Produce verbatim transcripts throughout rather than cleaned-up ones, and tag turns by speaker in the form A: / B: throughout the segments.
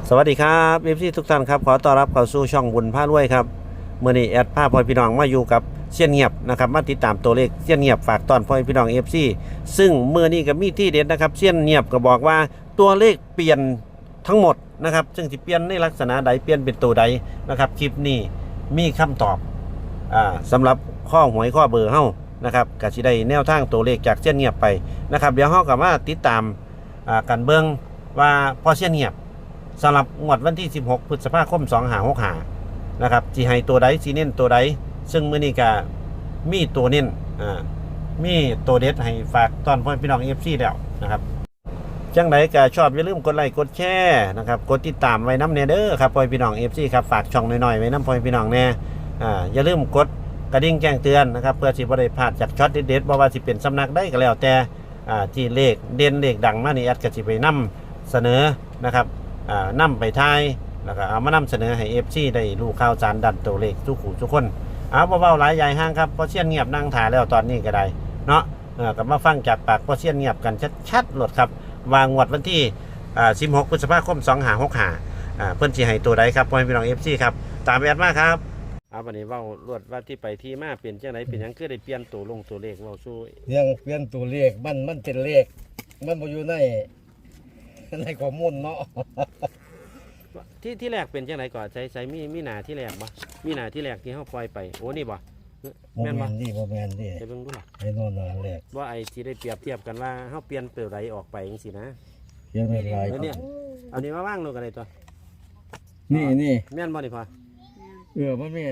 A: สวัสดีครับเอฟซีทุกท่านครับขอต้อนรับเข้าสู่ช่องบุญพารวยครับเมื่อนี้แอดพาพ่อพี่น้องมาอยู่กับเสี้ยนเงียบนะครับมาติดตามตัวเลขเสี้ยนเงียบฝากตอนพ่อพี่น้องเอฟซีซึ่งเมื่อนี้ก็มีที่เด็ดนะครับเสี้ยนเงียบก็บอกว่าตัวเลขเปลี่ยนทั้งหมดนะครับซึ่งจะเปลี่ยนในลักษณะใดเปลี่ยนเป็นตัวใดนะครับคลิปนี้มีคำตอบอ่าสำหรับข้อหวยข้อเบอร์เฮ้านะครับก็สิได้แนวทางตัวเลขจากเสี้ยนเงียบไปนะครับเดี๋ยวเฮากับมาติดตามอ่ากันเบิ่งว่าพ่อเสี้ยนเงียบสำหรับงวดวันที่สิบหกพฤษภาคมสองห้าหกห้านะครับสิให้ตัวใดสิเน้นตัวใดซึ่งมื้อนี้ก็มีตัวเน้นอ่ามีตัวเด็ดให้ฝากตอนพ่อพี่น้อง เอฟ ซี แล้วนะครับจังไดก็ชอบอย่าลืมกดไลค์กดแชร์นะครับกดติดตามไว้นำแน่เด้อครับพ่อพี่น้อง เอฟ ซี ครับฝากช่องน้อยๆไว้นำพ่อพี่น้องแน่อ่าอย่าลืมกดกระดิ่งแจ้งเตือนนะครับเพื่อสิบ่ได้พลาดจากช็อตเด็ดๆบ่ว่าสิเป็นสำนักใดก็แล้วแต่อ่าที่เลขเด่นเลขดังมานี่แอดก็สิไปนำเสนอนะครับอ่านำไปทายแล้วก็เอามานำเสนอให้ เอฟ ซี ได้รู้ข่าวสารดันตัวเลขทุกคู่ทุกคนเอาเบาๆหลายใหญ่ห้างครับเพราะเสี้ยนเงียบนั่งถ่ายแล้วตอนนี้ก็ได้เนาะเออก็มาฟังจากปากเพราะเสี้ยนเงียบกันชัดๆโลดครับวางงวดวันที่อ่าสิบหกพฤษภาคมสองห้าหกห้าอ่าเพิ่นสิให้ตัวใดครับพ่อพี่น้อง เอฟ ซี ครับตามแอดมาครับเอาบัดนี้เว้ารวดว่าที่ไปที่มาเปลี่ยนจังไดเป็นหยังคือได้เปลี่ยนตัวลงตัวเลขเว้าสู้
B: ยังเปลี่ยนตัวเลขมันมันเป็นเลขมันบ่อยู่ในในข้อมูลเนาะ
A: ที่ที่แรกเป็นจังไดก่อนใช้ใช้มีมีหน้าที่แรกบ่มีหน้าที่แรกที่เฮาปล่อยไปโอ้นี่บ่
B: บ่
A: แม่น
B: แม่
A: บ่
B: นนี่บ่แม่นนี่
A: ไปเบิ่งดูล่ะ
B: ไอ้โน่นน่ะแรก
A: ว่าไอ้ที่ได้เปรียบเทียบกันว่าเฮาเปลี่ยนตัวใดออกไปจังซี่นะ
B: เขียนเป็นลาย
A: แล้วเนี่ยเอานี้มาว่างลงกันได้ตัว
B: นี่นี่
A: แม่นบ่นี่พ่อ
B: เออมันมี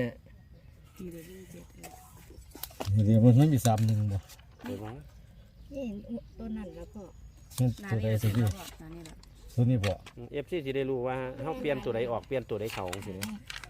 B: นี่เดี๋ยวมันไม่มีสามหนึ่งบ่
A: ไปบ่
C: นี่ตัวนั้นแล้วก็
B: มันตัวใดสิพี่
C: นานี่แหละ
B: ตัวนี้บ่
A: เอฟซีสิได้รู้ว่าเฮาเปลี่ยนตัวใดออกเปลี่ยนตัวใดเข้าจังซี่นะ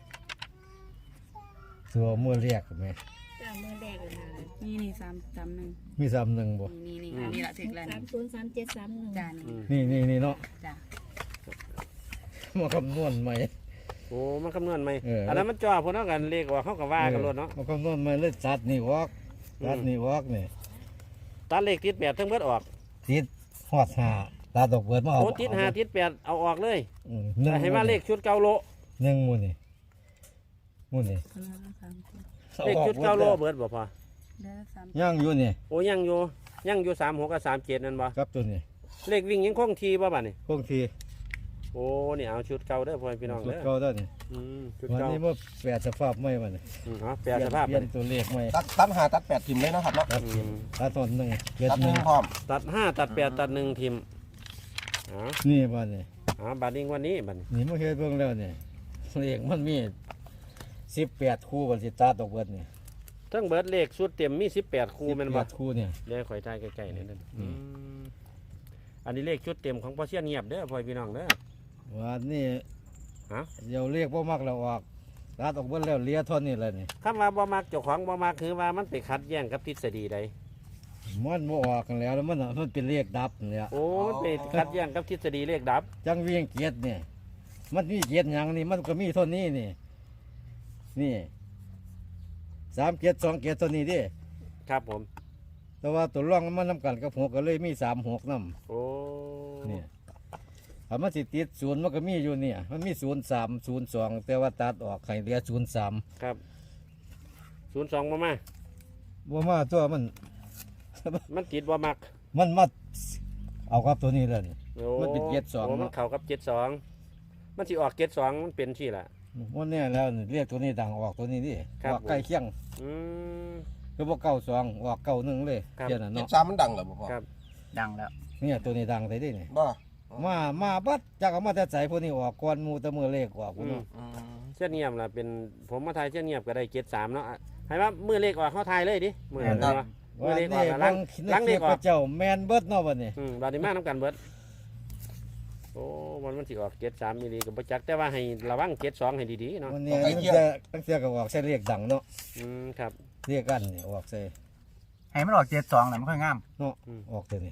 B: ตัวมือแรกแม่
C: จ้ามือแรกเลยนะ
D: นี่นี่สามสามหนึ่ง
B: มีสามหนึ่งบ่
D: นี่นี่นี่ละถึงแล้ว
C: สามศูนย์สามเจ็ดสามหนึ่ง
D: จ้า
A: อื
D: นี่
A: ม
B: นี่นี่นี่เนาะ
D: จ้า
B: มาคำนวณใหม่
A: โอ้มันคำนวณไหม
B: เอออั
A: อันนั้นมันจ่อพุ่นเฮากันเลขออกเฮาก็ว่ากันโลดเนาะ
B: มาคำนวณใหม่เลยตัดนี่วอกตัด
A: อืม
B: นี่วอกนี่
A: ตัดเลขติดแปดทั้งเบิดออก
B: ติดฮอดห้าตัดดอกเบิดมาเอา
A: โอ้ติดห้าติดแปดเอาออกเลย
B: อืมหนึ่ง
A: แต่ให้มาเลขชุดเก้าโล
B: หนึ่งหมู่นี่หมู่นี่
D: คนละสามสิบ
A: เลขชุดเก้าโลเบิดบ่พอ
D: เด้อสาม
B: ย่างอยู่นี่
A: โอ้ยังอยู่ยังอยู่สามหกกับสามเจ็ดนั่นบ่
B: ครับตัวนี้
A: เลขวิ่งยังคงทีบ่บัดนี้
B: คงที
A: โอ้นี่เอาชุดเก่าเด้อพ่อพี่น้อง
B: ชุด
A: เด้อ
B: เก่าได้นี่
A: อืมชุด
B: วัน
A: เก่า
B: นี้มาแปดสภาพไม่มัน
A: อืมเอาแปลสภาพ
B: เป
A: ไป
B: ลี่ยนตัวเลขไม่
E: ตัดตัดหาตัดแปดทิมเลยนะครับเนาะ
B: ครับ
A: อืม
B: ตัดตอนหนึ่งเจ็ด
E: ตัด
B: ห
E: ห
B: นึ่
E: นึ่
B: ง
E: งพร้อม
A: ตัดห้าตัดแปดตัดหนึ่งทิมเอ๋อ
B: นี่บ้านนี่
A: อ๋อบัดนี้วันนี้บัดนี้
B: นี่มาเฮ็ดเบิ่งแล้วนี่เลขมันมีสิบแปดคู่บันสิตัดออกเบิดนี่
A: ทั้งเบิดเลขชุดเต็มมีสิบแปดคู่แม่นบ่
B: สิบแปดคู่เนี่ย
A: เดี๋ยวข่อยทายใกล้ๆนี่นั่น
B: อืม
A: อืมอันนี้เลขชุดเต็มของพ่อเชียนเงียบเด้อพ่อพี่น้องเด้อ
B: วันนี้
A: ฮะ
B: เดี๋ยวเลขบ่มักแล้วออกตัดออกเบิดแล้วเหลียเท่านี้แหละนี่
A: คำว่าบ่มักเจ้าของบ่มักคือว่ามันไปขัดแย้งกับทฤษฎีใด
B: มันบ่ออกกันแล้วแล้วมันมันเป็นเลขดับเนี่ย
A: โอ้มันไปขัดแย้งกับทฤษฎีเลขดับ
B: จังเวียงเกียรติเนี่ยมันมีเกียรติหยังนี่มันก็มีเท่านี้นี่นี่สามเกียรติสองเกียรติเท่านี้ดิ
A: ครับผม
B: แต่ว่าตัวร่องมันนำกันกับหกก็เลยมีสามหกนำ
A: โอ้
B: เนี่ยถ้ามันสิติดศูนย์มันก็มีอยู่เนี่ย มันมีศูนย์สามศูนย์สองแต่ว่าตัดออกให้เหลือศูนย์สาม
A: ครับศูนย์สองมามา
B: ว่ามาตัวมัน
A: มันติดบ่มัก
B: มันมาเอากับตัวนี้เลยนี่
A: โอ้
B: มันเป็นเจ็ดสอง
A: โมัน
B: เนาะ
A: เข้ากับเจ็ดสองมันสิออกเจ็ดสองมันเป็นที่ละ
B: วันนี้แล้วนี่เรียกตัวนี้ดังออกตัวนี้ดิ
A: ครับ
B: ออกใกล้เคียง
A: อืม
B: คือว่าเก้าสองออกเก้าหนึ่งเลย
A: ครับ
B: เพี้ยนน่ะ
E: เจ็ด
B: เนาะ
E: สามมันดังเหรอพ่อ
A: ครับ
D: ดังแล้ว
B: เนี่ยตัวนี้ดังใส่ดินี่
E: บ่
B: มามาบัดจากเอามาแต่ใส่พวกนี้ออกก่อนหมูแตะมือเลขออก
A: อืม
B: เนาะ
E: อืม
A: เช่นเงียบล่ะเป็นผมมาทายเช่นเงียบก็ได้เจ็ดสามเนาะอ่ะให้ว่ามือเลขออกเขาทายเลยดิมือเลขออกมือ
B: วัน
A: เลขอ
B: นี้
A: อกแล้วล้าง
B: ใน
A: ล้าง
B: ค
A: เล
B: ลิ
A: ข
B: ป
A: อ
B: พ
A: อก
B: ระเจ้าแมนเบิดเนาะวันนี้
A: อืมบาดนี้มาน้ำกันเบิดโอ้มันมันสิออกเจ็ดสามมิลลิกับประจักษ์แต่ว่าให้ระวังเจ็ดสองให้ดีๆเนาะ
B: วันนี้ตั้งแต่ตั้งแต่ก็ออกใส่เลขดังเนาะ
A: อืมครับ
B: เรียกกันนี่ออกใส่
F: ให้มันออกเจ็ดสองแหละมันค่อยงาม
B: เนาะออกตัวนี้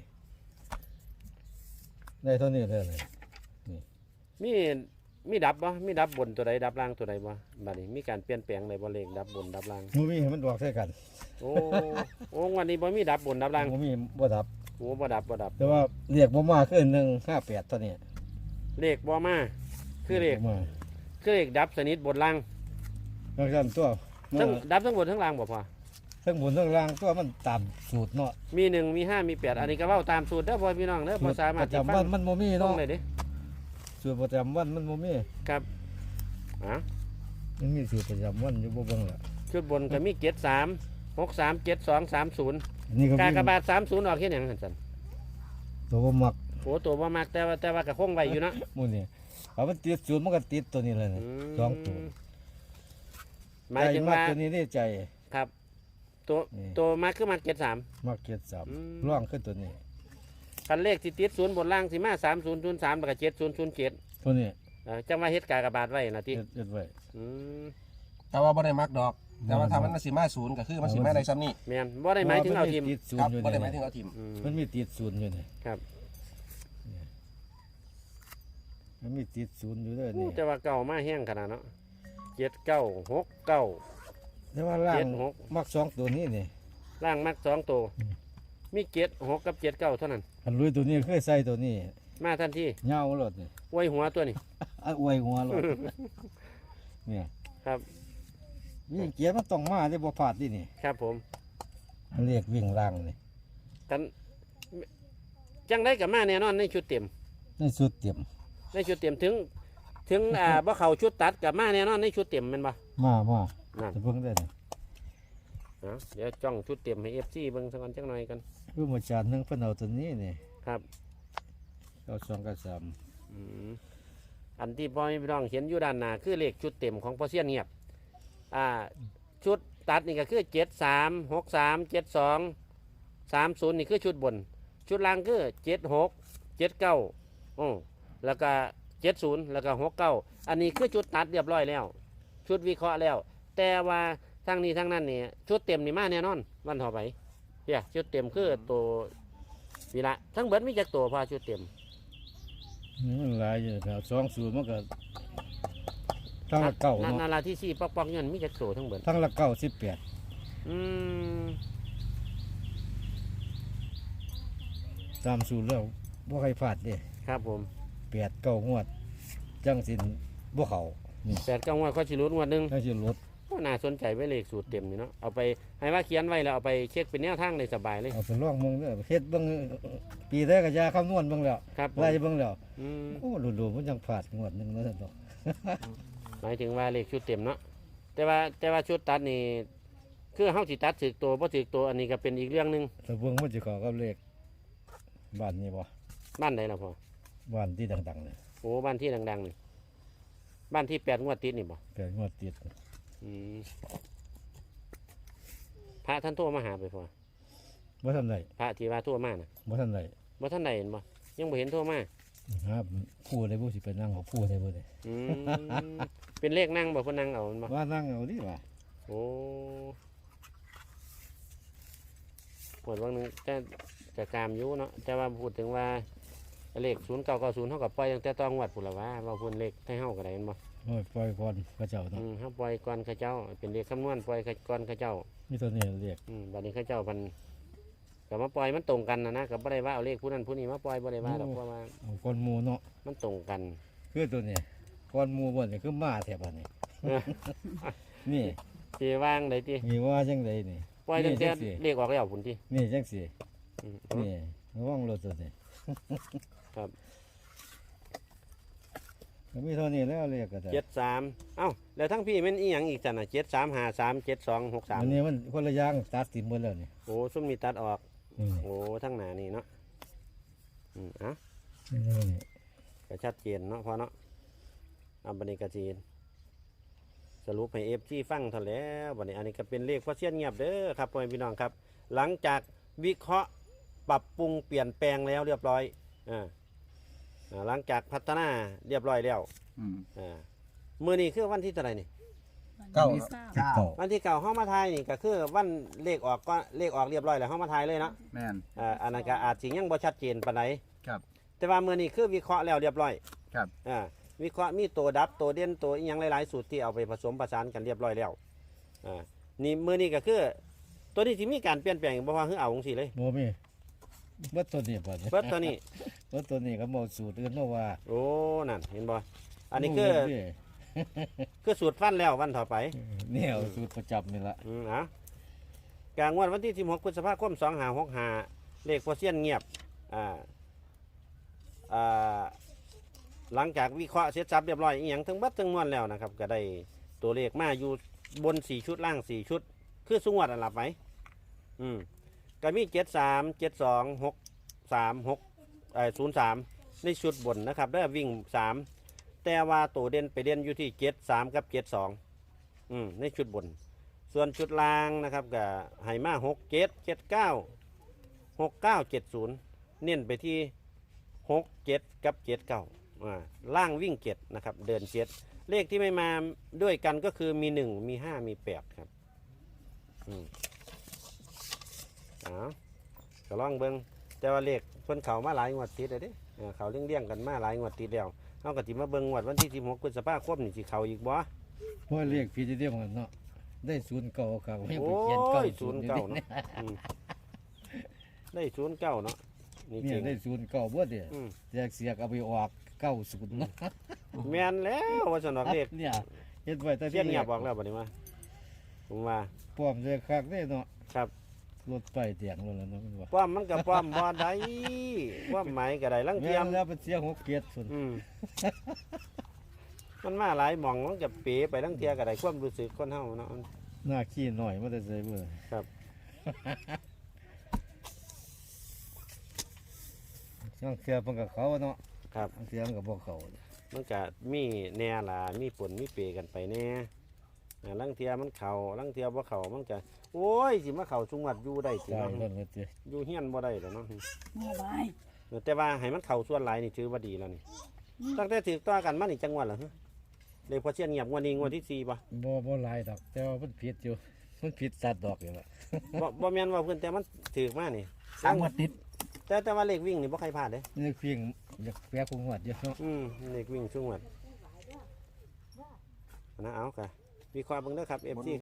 B: ได้เท่านี้เลยนี่
A: มีมีดับบ่มีดับบนตัวใดดับล่างตัวใดบ่บาดนี้มีการเปลี่ยนแปลงอะไรบ่เลขดับบนดับล่าง
B: มูมีให้มันออกใส่กัน
A: โอ้โอ้วันนี้บ่มีดับบนดับล่าง
B: มูมีบ่ดับ
A: โอ้บ่ดับบ่ดับ
B: แต่ว่าเรียกบ่มาคือหนึ่งห้าแปดตัวนี้
A: เลขบ่มาคือเลข
B: มา
A: คือเลขดับสนิทบนล่าง
B: บางท่านตัว
A: ทั้งดับทั้งบนทั้งล่างบ่พอ
B: ทั้งบนทั้งล่างตัวมันตามสูตรเนาะ
A: มีหนึ่งมีห้ามีแปดอันนี้ก็เว้าตามสูตรเด้อพ่อพี่น้องเด้อบ่สามารถ
B: ประ
A: สิ
B: จำ
A: ฟั
B: วั
A: ง
B: นมันโมมี่
A: ตรง
B: เนาะ
A: เลยเด้
B: สูตรประจำวันมันโมมี่
A: ครับอ่ะ
B: มันมีสูตรประจำวันอยู่บ่เบิ่งละ
A: ชุดบนก็มีเจ็ดสามหกสามเจ็ดสองสามศูนย์
B: อันนี้ก็
A: กา
B: วิ่ง
A: กบาทสามศูนย์ออกแค่หยังหั่นซั่น
B: ตัวบ่มัก
A: โอ้ตัวบ่มักแต่ว่าแต่ว่าก็คงไว้อยู่เนาะ
B: หมู่นี่เอามันติดสูตรมันก็ติดตัวนี้เลยนี่
A: ม
B: สองตัว
A: หมายถึง
B: ใจ
A: ว่า
B: ตัวนี้ได้ใจ
A: ครับ ตัว
B: นี่
A: ตัวมักคือมักเจ็ดสาม
B: มักเกียรติสาม
A: อืม
B: ร่องขึ้นตัวนี้
A: คันเลขที่ติดศูนย์บนล่างสิมาสามศูนย์ศูนย์สามแล้วก็เจ็ดศูนย์ศูนย์เจ็ด
B: ตัวนี้
A: จังว่าเฮ็ดกากบาทไว้นะติ
B: เฮ็ดเฮ็ดไว้
A: อืม
E: แต่ว่าบ่ได้มักดอก แต่ว่าถ้ามันสิมาศูนย์ก็คือมันสิมาได้ซ้ำนี่
A: แม่นบ่ได้หมายถึงเอาทีม
B: นติดศู
E: คน รับ
B: ย์อยู่
E: บ่ได้
B: นี่
E: หมายถึงเอาทีม
A: อืม
B: มันมีติดศูนย์อยู่นี่
A: ครับ
B: มันมีติดศูนย์อยู่ด้วยนี่
A: แต่ว่าเก่ามาแห้งขนาดเนาะเจ็ดเก้าหกเก้า
B: แต่ว่าล่า
A: เจ็
B: ง
A: ดหก
B: มักสองตัวนี้นี่
A: ล่างมักสองตัว
B: อืม
A: มีเจ็ดหกกับเจ็ดเก้าเท่านั้น
B: อันลุยตัวนี้เคยใส่ตัวนี้
A: มาทันที
B: เหงารถนี่
A: อวยหัวตัวนี้
B: อ่ะอวยหัวรถเนี่ย
A: ครับ
B: มีเกียร์มันต้องมาได้บ่พลาดดินี่
A: ครับผม
B: มันเรียกวิ่งล่างนี่
A: กันจังได้กับมาแน่นอนในชุดเต็ม
B: ในสุดเตรียม
A: ในชุดเต็มถึง ถึงอ่าบ่เข้าชุดตัดกับมาแน่นอนในชุดเต็มแม่นบ่
B: มามา
A: นั่น
B: จะเบิ่งได้นี่
A: เอาเดี๋ยวจ้องชุดเต็มให้ เอฟ ซี เบิ่งสักก่อนจักหน่อยกัน
B: คือมาจานหนึงเพิ่นเอาตัวนี้นี่
A: ครับ
B: เอาสองกับสาม
A: อืมอันที่พ่อแม่พี่น้องเห็นอยู่ด้านหน้าคือเลขชุดเต็มของพ่อเสี้ยนเงียบอ่าชุดตัดนี่ก็คือเจ็ดสามหกสามเจ็ดสองสามศูนย์นี่คือชุดบน ชุดล่างคือเจ็ดหกเจ็ดเก้าอือแล้วก็เจ็ดศูนย์แล้วก็หกเก้าอันนี้คือชุดตัดเรียบร้อยแล้ว ชุดวิเคราะห์แล้ว แต่ว่าทั้งนี้ทั้งนั้นนี่ชุดเต็มนี่มาแน่นอนวันต่อไปเฮียชุดเต็มคือตัววีละทั้งเบิดมีจักตัวพอชุดเต็ม
B: นี่มันหลายอยู่แถวสองศูนย์มันก็ทั้งละเก้า
A: นา
B: เนาะ
A: นาราที่สี่ปอกปอกเงินมีจักตัวทั้งเบิด
B: ทั้งละเก้าสิบแปด
A: อืม
B: ตามสูตรแล้วบ่ใครพลาดเด้
A: ครับผม
B: แปดเก้างวด จังสินบ่เขานี่
A: แปดเก้างวดข้อชิรุดงวดหนึ่ง
B: จังสิลด
A: โอ้น่าสนใจไว้เลขสูตรเต็มนี่เนาะเอาไปให้ว่าเขียนไว้แล้วเอาไปเช็คเป็นแนวทางได้สบายเลย
B: เอาไปลองเบิ่งเด้อเฮ็ดเบิ่งปีแรกก็ยาคำนวณเบิ่งแล้ว
A: ครับผม
B: ไล่เบิ่งแล้ว
A: อืม
B: โอ้ดูๆมันยังพลาดงวดหนึงเนาะท่านดอก
A: หมายถึงว่าเลขชุดเต็มเนาะแต่ว่าแต่ว่าชุดตัดนี่คือเฮาสิตัดถึกตัวบ่ถึกตัวอันนี้ก็เป็นอีกเรื่องหนึง
B: แต่เบิ่งมันสิเข้ากับเลขบ้านนี้บ่
A: บ้านไหนล่ะพ่อ
B: บ้านที่ดังๆเนี่ย
A: โอ้บ้านที่ดังๆนี่บ้านที่แปดงวดติดนี่บ่
B: แปดงวดติด
A: อืมพระท่านโทรมาหาไปพ่อ
B: บ่ทันได้
A: พระที่ว่าโทรมาน่ะ
B: บ่ทันได้
A: บ่ท่านใดเห็นบ่ยังบ่เห็นโทรมา
B: ครับผู้ใดบ่สิไปนั่งเอาผู้ใดบ่ได้
A: อืม เป็นเลขนั่งบ่เพิ่นนั่งเอามันบ่
B: ว่านั่งเอาดิว่า
A: โอ้หมดวันหนึงแต่แต่กามอยู่เนาะแต่ว่าพูดถึงว่าเลขศูนย์เก้าเก้าศูนย์เท่ากับปล่อยตั้งแต่ตองวัดพุ่นละว่าว่าพูนเลขให้เฮาก็ได้แม่นบ่
B: โอ้ยปล่อยก่อนพระเจ้าเนาะ
A: อืมเฮาปล่อยก่อนเขาเจ้า เป็นเลขคำนวณปล่อยก่อนเขาเจ้า
B: มีตัวนี้เรียก
A: อืมบัดนี้เขาเจ้าเพันก็มาปล่อยมันตรงกันนะนะก็บ่ได้ว่าเอาเลขผู้นั้นผู้นี้มาปล่อยบ่ได้ว่าดอกเพราะว่า
B: เอาก้อนหมูเนาะ
A: มันตรงกัน
B: คือตัวนี้ก้อนหมูบ่นี่คือมาแถบอันนี้
A: เออ
B: นี่
A: สิวางได้ติ
B: มีว่าจังไดนี่
A: ปล่อยตั้งแต่
B: นี่จังสิ
A: เลขออกแล้วพุ่นติ
B: นี่จังสิ
A: อืม
B: นี่ระวังรถตัวนี้
A: ครับ
B: ก็มีเท่านี้แล้วเรียกก็ได้
A: เจ็ดสามเอ้าแล้วทั้งพี่แมันอีหยังอีกจันน่ะเจ็ดสามห้าสามเจ็ดสองหกสาม
B: อันนี้มันคนละอย่างตัดสินหมดแล้วนี่
A: โอ้ซุ่มมีตัดออก
B: นี่
A: โอ้ทั้งหนานี่เนาะอืมอ่ะ
B: นี่นี่
A: ก็ชัดเจนเนาะพอเนาะเอาบันนี้กระจีนสรุปให้เอฟซีฟังเท่าแล้วบันนี้อันนี้ก็เป็นเลขพ่อเสี้ยนเงียบเด้อครับพ่อแม่พี่น้องครับ หลังจากวิเคราะห์ปรับปรุงเปลี่ยนแปลงแล้วเรียบร้อยอ่าอ่าหลังจากพัฒนาเรียบร้อยแล้ว
F: อืม
A: อ่ามือนี้คือวันที่เท่าไหร่นี่
E: เก้า
F: เก้า
B: เก้า
A: วันที่เก่าห้องมาทายนี่ก็คือวันเลขออกก็เลขออกเรียบร้อยแล้วห้องมาทายเลยเนาะ
F: แม่น
A: อ่าอันนั้นก็อาจสิยังบ่ชัดเจนปานใด
F: ครับ
A: แต่ว่ามื้อนี้คือวิเคราะห์แล้วเรียบร้อย
F: ครับ
A: อ่าวิเคราะห์มีตัวดับตัวเด่นตัวอีหยังหลายๆสูตรที่เอาไปผสมผสานกันเรียบร้อยแล้วอ่านี่มื้อนี้ก็คือตัวนี้สิมีการเปลี่ยนแปลงบ่ว่าคือเอาจังซี่เลย
B: โมมีเบิดตัวนี้บ่
A: เบิดตัวนี้
B: เบิดตัวนี้ก็บ่สูตรอื่นเนาะว่า
A: โอ้นั่นเห็นบ่อันนี้คือ
B: นี่
A: คือสูตรฟันแล้ววันต่อไป
B: เนี่ยสูตรประจับนี่ละ
A: อืมเอ่ะกลางวันวันที่สิบหกพฤษภาคมสองห้าหกห้าเลขพอเซียนเงียบอ่าอ่าหลังจากวิเคราะห์เสร็จสับเรียบร้อยอีกอย่างทั้งบัดทั้งมวลแล้วนะครับ ก็ได้ตัวเลขมาอยู่บนสี่ชุดล่างสี่ชุด คือสุงวดอันหลับไหมอืมก็มีเจ็ดสามเจ็ดสองหกสามหกเอ่อศูนย์สามในชุดบนนะครับได้วิ่งสามแต่ว่าตัวเด่นไปเด่นอยู่ที่เจ็ดสามกับเจ็ดสองอืมในชุดบน ส่วนชุดล่างนะครับก็ไฮมาหกเจ็ดเจ็ดเก้าหกเก้าเจ็ดศูนย์เน้นไปที่หกเจ็ดกับเจ็ดเก้าอ่าล่างวิ่งเจ็ดนะครับเดินเจ็ดเลขที่ไม่มาด้วยกันก็คือมีหนึ่งมีห้ามีแปดครับอืมอ๋อก็ลองเบิ้งแต่ว่าเลขเพิ่นเขามาหลายงวดติดเลยเด้เออเขาเลี้ยงๆกันมาหลายงวดติดแล้วเขาก็สิมาเบิ้งงวดวันที่สิบหกพฤษภาคมนี่สิเขาอีกบ่
B: เพราะเรียกพี่จะเรียกมันเนาะได้ศูนย์เก่าครับไม่
A: โอ้
B: ไปเขียนเก้าย
A: ศูนย์เก้าเนาะอืมได้ศูนย์เก้าเนาะนี่
B: เนี่
A: จ
B: ย
A: ริง
B: ได้ศูนย์เก่าบ่เดีย
A: อืม
B: แจกเสียกเอาไปออกเก้าศูนย์นะ
A: แม่นแล้วว่าสนอกเลข
B: เนี่ยเฮ็ดไว้แต่
A: เสี้ยนเงียบบอกแล้วบัดนี้ว่าผมว่า
B: ป้อมเลยคักได้เนาะ
A: ครับ
B: รถไปเตียงรถแล้วเนาะมันว่า
A: ป้อมมันกับป้อมบ่ได้ป้อมหมายก็ได้ลัง
B: แม่
A: เทียม
B: นแล้วเป็นเสียหกเกียรติสุด
A: อืมมันมาหลายหม่องมันจะเป๋ไปลังเทียก็ได้ความรู้สึกคนเฮาเนาะ
B: หน้าขี้หน่อยมันจะใส่เบื่อ
A: ครับ
B: ช่างเสียเพิ่นกับเขาเนาะ
A: ครับ
B: ช่างเสียมันกับพวกเขา
A: มันก็มีแน่ล่ะมีผลมีเปกันไปแน่อ่าลังเทียมันเข่าลังเทียบ่เข่ามันก็โอ้ยสิมาเข่าชุงวัดอยู่ได้สิ
B: ใช่
A: เนาะ
B: เพิ่นก็สิ
A: อยู่เฮียนบ่ได้แล้วเนาะ
D: โม่บาย
A: แต่ว่าให้มันเข่าส่วนหลายนี่ถือว่าดีแล้วนี่ตั้งแต่ถือต่อกันมานี่จังหวัดเหรอฮะเลยพอเชียนเงียบงวดนี้งวดที่สี่ป่ะ
B: บ่บ่หลายดอก แต่ว่ามันผิดอยู่มันผิดสัตว์ดอกอยู่ล่ะ
A: บ่บ่แม่นว่าเพิ่นแต่มันถือมานี่
F: สามงวดติด
A: แต่แต่ว่าเลขวิ่งนี่บ่ใครพลาดเด้
B: นี่เพียงอยากแปะคงหวัดอยู่เนาะ
A: อืมเลขวิ่งช่วงวัดนะเอาค่ะวิเคราะห์เบิ่งเด้อครับ เอฟ ซี